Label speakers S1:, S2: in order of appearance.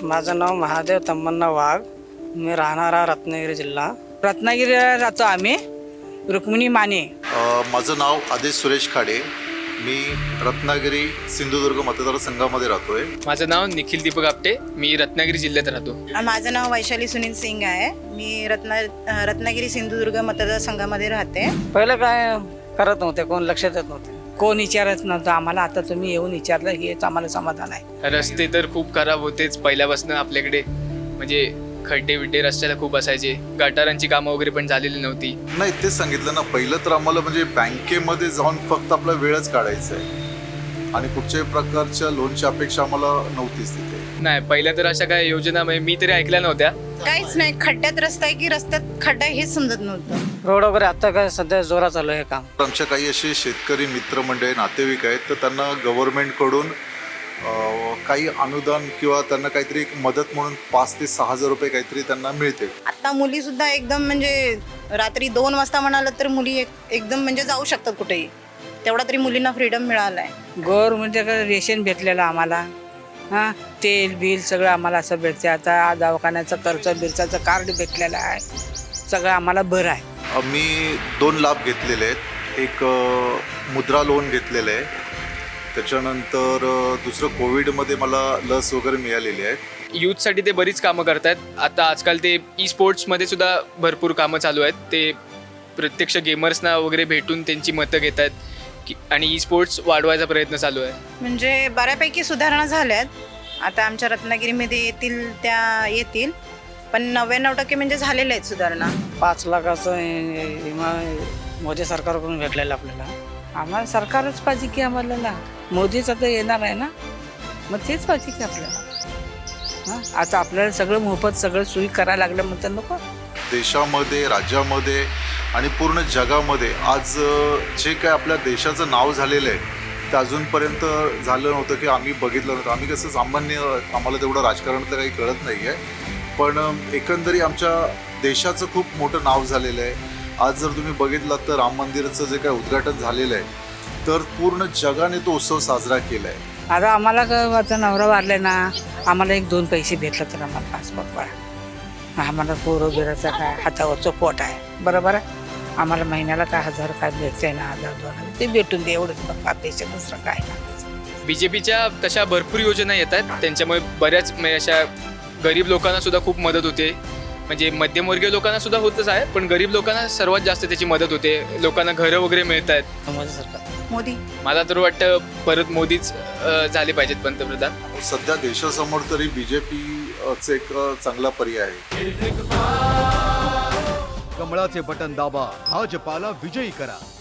S1: माझं नाव महादेव तम्मन्ना वाघ. मी राहणारा रत्नागिरी जिल्हा. रत्नागिरीला राहतो आम्ही. रुक्मिणी माने.
S2: माझं नाव आदेश सुरेश खाडे. मी रत्नागिरी सिंधुदुर्ग मतदारसंघामध्ये राहतोय.
S3: माझं नाव निखिल दीपक आपटे. मी रत्नागिरी जिल्ह्यात राहतो.
S4: माझं नाव वैशाली सुनील सिंग आहे. मी रत्नागिरी सिंधुदुर्ग मतदारसंघामध्ये राहते.
S1: पहिलं काय करत नव्हते, कोण लक्ष देत नव्हते, कोण विचारत नव्हतं आम्हाला. आता तुम्ही येऊन विचारलं हेच आम्हाला समाधान आहे.
S3: रस्ते तर खूप खराब होतेच पहिल्यापासून आपल्याकडे. म्हणजे खड्डे बिड्डे रस्त्याला खूप असायचे. गटारांची कामं वगैरे पण झालेली नव्हती.
S2: नाही, तेच सांगितलं ना, पहिलं तर आम्हाला म्हणजे बँकेमध्ये जाऊन फक्त आपला वेळच काढायचा आहे आणि कुठच्याही प्रकारच्या लोनची अपेक्षा आम्हाला नव्हतीच तिथे.
S3: नाही, पहिल्या तर अशा काय योजना मी तरी ऐकल्या नव्हत्या.
S4: काहीच नाही. खड्ड्यात रस्ता आहे की रस्त्यात खड्डा आहे हेच समजत नव्हतं.
S1: रोड वगैरे आता काय सध्या जोरात चालू आहे काम.
S2: आमच्या काही असे शेतकरी मित्रमंडळी नातेवाईक आहेत, तर त्यांना गव्हर्नमेंटकडून काही अनुदान किंवा त्यांना काहीतरी एक मदत म्हणून 5 ते 6 हजार रुपये काहीतरी त्यांना मिळते.
S4: आता मुली सुद्धा एकदम म्हणजे रात्री 2 वाजता म्हणालं तर मुली एकदम म्हणजे जाऊ शकतात कुठेही. तेवढा तरी मुलींना फ्रीडम मिळाला आहे.
S1: गव्हर्नमेंटकडे रेशन भेटलेलं आम्हाला. हां, तेल बिल सगळं आम्हाला असं भेटते. आता दवाखान्याचं खर्च बिरचाचं कार्ड भेटलेलं आहे. सगळं आम्हाला बरं आहे.
S2: मी 2 लाभ घेतलेले आहेत. एक मुद्रा लोन घेतलेलं आहे. त्याच्यानंतर दुसरं कोविडमध्ये मला लस वगैरे मिळालेली आहे.
S3: यूथसाठी ते बरीच कामं करतात. आता आजकाल ते ई स्पोर्ट्समध्ये सुद्धा भरपूर कामं चालू आहेत. ते प्रत्यक्ष गेमर्सना वगैरे भेटून त्यांची मतं घेत आहेत आणि ई स्पोर्ट्स वाढवायचा प्रयत्न चालू आहे.
S4: म्हणजे बऱ्यापैकी सुधारणा झाल्यात. आता आमच्या रत्नागिरीमध्ये येतील पण 99% म्हणजे झालेल्या आहेत सुधारणा.
S1: 5 लाखाचं विमा मोदी सरकारकडून भेटलेलं आपल्याला. आम्हाला सरकारच पाहिजे की आम्हाला ना. मोदीच आता येणार आहे ना, मग तेच पाहिजे की आपल्याला. हां, आता आपल्याला सगळं मोफत सगळं सोयी करायला लागलं म्हणतात नको.
S2: देशामध्ये, राज्यामध्ये आणि पूर्ण जगामध्ये आज जे काय आपल्या देशाचं नाव झालेलं आहे ते अजूनपर्यंत झालं नव्हतं की आम्ही बघितलं नव्हतं. आम्ही कसं सामान्य, आम्हाला तेवढं राजकारणातलं काही कळत नाही आहे, पण एकंदरीत आमच्या देशाचं खूप मोठं नाव झालेलं आहे. आज जर तुम्ही बघितलात तर राम मंदिराचं जे काय उद्घाटन झालेलं आहे, तर पूर्ण जगाने तो उत्सव साजरा केला आहे.
S1: आता आम्हाला काय आता नवरा वारले ना, आम्हाला 1-2 पैसे भेटलं तर आम्हाला पासपोर्ट पडा. आम्हाला पोरं बिराचं काय हातावरचं पोट आहे, बरोबर आहे. आम्हाला महिन्याला काय 1000 काय भेटतंय ना, 1000-2000 ते भेटून दे, एवढंच बघा पैसे, दुसरं काय नाही.
S3: BJPच्या तशा भरपूर योजना येतात. त्यांच्यामुळे बऱ्याच अशा गरीब लोकांना सुद्धा खूप मदत होते. म्हणजे मध्यमवर्गीय लोकांना सुद्धा होतच आहे, पण गरीब लोकांना सर्वात जास्त त्याची मदत होते. लोकांना घरं वगैरे मिळत आहेत.
S1: मोदी सरकार.
S4: मोदी.
S3: मला तर वाटतं परत मोदीच झाले पाहिजेत पंतप्रधान.
S2: सध्या देशासमोर तरी BJPचं एक चांगला पर्याय आहे.
S5: कमळाचे बटन दाबा, भाजपाला विजयी करा.